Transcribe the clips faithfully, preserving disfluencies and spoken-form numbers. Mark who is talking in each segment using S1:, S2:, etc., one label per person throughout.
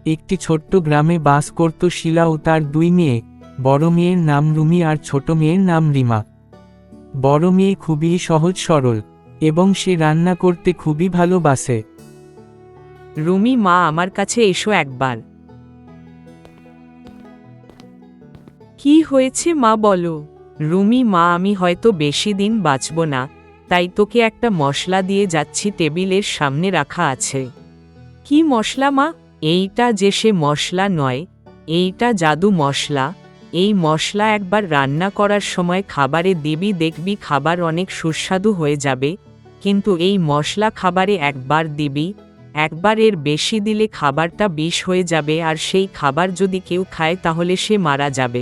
S1: একটি ছোট্ট গ্রামে বাস করত শিলা ও তার দুই মেয়ে। বড় মেয়ের নাম রুমি আর ছোট মেয়ের নাম রিমা। বড় মেয়ে খুবই সহজ সরল এবং সে রান্না করতে খুবই ভালোবাসে।
S2: রুমি মা, আমার কাছে এসো একবার। কি হয়েছে মা, বলো। রুমি মা, আমি হয়তো বেশি দিন বাঁচব না, তাই তোকে একটা মশলা দিয়ে যাচ্ছি, টেবিলের সামনে রাখা আছে। কি মশলা মা? এইটা যে সে মশলা নয়, এইটা জাদু মশলা। এই মশলা একবার রান্না করার সময় খাবারে দিবি, দেখবি খাবার অনেক সুস্বাদু হয়ে যাবে। কিন্তু এই মশলা খাবারে একবার দিবি, একবার এর বেশি দিলে খাবারটা বিষ হয়ে যাবে, আর সেই খাবার যদি কেউ খায় তাহলে সে মারা যাবে।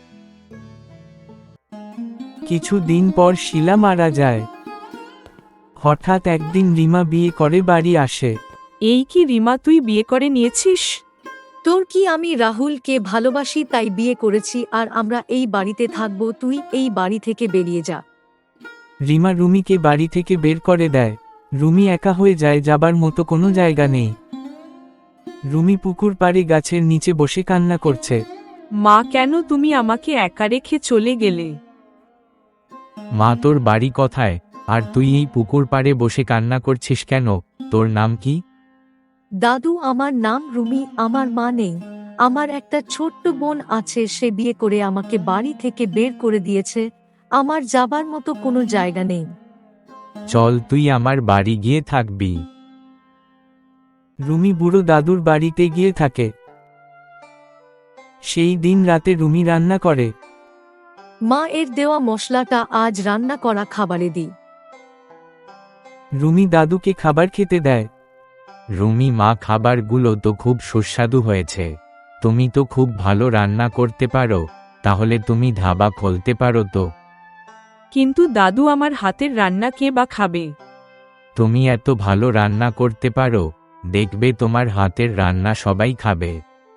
S1: কিছু দিন পর শিলা মারা যায়। হঠাৎ একদিন রিমা বিয়ে করে বাড়ি আসে।
S2: এই কি রিমা, তুই বিয়ে করে নিয়েছিস?
S3: তোর কি, আমি রাহুলকে ভালোবাসি তাই বিয়ে করেছি, আর আমরা এই বাড়িতে থাকবো, তুই এই বাড়ি থেকে বেরিয়ে যা।
S1: রিমা রুমিকে বাড়ি থেকে বের করে দেয়। রুমি একা হয়ে যায়, যাবার মতো কোনো জায়গা নেই। রুমি পুকুর পাড়ে গাছের নিচে বসে কান্না করছে।
S2: মা, কেন তুমি আমাকে একা রেখে চলে গেলে?
S4: মা, তোর বাড়ি কোথায়, আর তুই এই পুকুর পাড়ে বসে কান্না করছিস কেন? তোর নাম কি?
S3: দাদু, আমার নাম রুমি, আমার মা নেই। আমার একটা ছোট্ট বোন আছে, সে বিয়ে করে আমাকে বাড়ি থেকে বের করে দিয়েছে। আমার যাবার মতো কোনো জায়গা নেই।
S4: চল, তুই আমার বাড়ি গিয়ে থাকবি।
S1: রুমি বুড়ো দাদুর বাড়িতে গিয়ে থাকে। সেই দিন রাতে রুমি রান্না করে।
S3: মা, এর দেওয়া মশলাটা আজ রান্না করা খাবারে দিই।
S1: রুমি দাদুকে খাবার খেতে দেয়।
S4: রুমি মা, খাবারগুলো তো খুব সুস্বাদু হয়েছে। তুমি তো খুব ভালো রান্না করতে পারো, তাহলে তুমি ধাবা খুলতে পারো তো।
S2: কিন্তু দাদু, আমার হাতের রান্না কে বা খাবে?
S4: তুমি এত ভালো রান্না করতে পারো, দেখবে তোমার হাতের রান্না সবাই খাবে।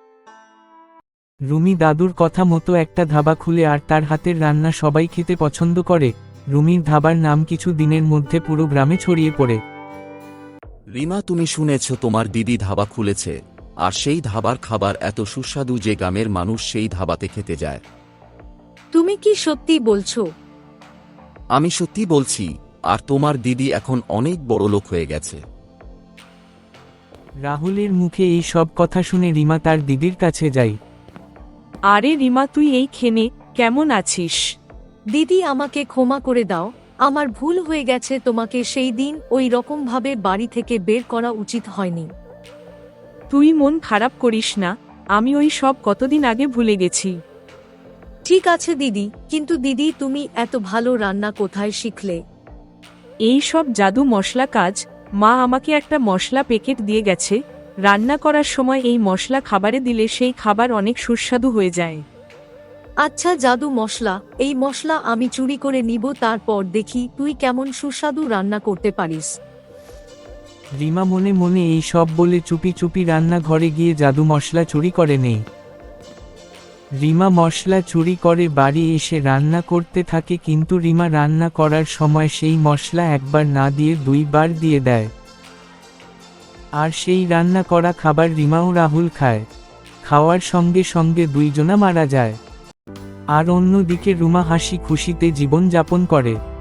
S1: রুমি দাদুর কথা মতো একটা ধাবা খুলে, আর তার হাতের রান্না সবাই খেতে পছন্দ করে। রুমির ধাবার নাম কিছু দিনের মধ্যে পুরো গ্রামে ছড়িয়ে পড়ে।
S5: রিমা, তুমি শুনেছ তোমার দিদি ধাবা খুলেছে, আর সেই ধাবার খাবার এত সুস্বাদু যে গ্রামের মানুষ সেই ধাবাতে খেতে যায়।
S3: তুমি কি সত্যি বলছো?
S5: আমি সত্যি বলছি, আর তোমার দিদি এখন অনেক বড় লোক হয়ে গেছে।
S1: রাহুলের মুখে এই সব কথা শুনে রিমা তার দিদির কাছে যায়।
S2: আরে রিমা, তুই এইখানে কেমন আছিস?
S3: দিদি, আমাকে ক্ষমা করে দাও, আমার ভুল হয়ে গেছে। তোমাকে সেই দিন ওই রকম ভাবে বাড়ি থেকে বের করা উচিত হয়নি।
S2: তুই মন খারাপ করিস না, আমি ওই সব কতদিন আগে ভুলে গেছি।
S3: ঠিক আছে দিদি, কিন্তু দিদি, তুমি এত ভালো রান্না কোথায় শিখলে?
S2: এই সব জাদু মশলা কাজ। মা আমাকে একটা মশলা প্যাকেট দিয়ে গেছে, রান্না করার সময় এই মশলা খাবারে দিলে সেই খাবার অনেক সুস্বাদু হয়ে যায়।
S3: আচ্ছা, জাদু মশলা, এই মশলা আমি চুরি করে নিব, তারপর দেখি তুই কেমন সুস্বাদু রান্না করতে পারিস।
S1: রিমা মনে মনে এই সব বলে চুপি চুপি রান্নাঘরে গিয়ে জাদু মশলা চুরি করে নেই। রিমা মশলা চুরি করে বাড়ি এসে রান্না করতে থাকে, কিন্তু রিমা রান্না করার সময় সেই মশলা একবার না দিয়ে দুইবার দিয়ে দেয়। আর সেই রান্না করা খাবার রিমা ও রাহুল খায়। খাওয়ার সঙ্গে সঙ্গে দুইজনা মারা যায়। আর অন্যদিকে রুমা হাসি খুশিতে জীবন যাপন করে।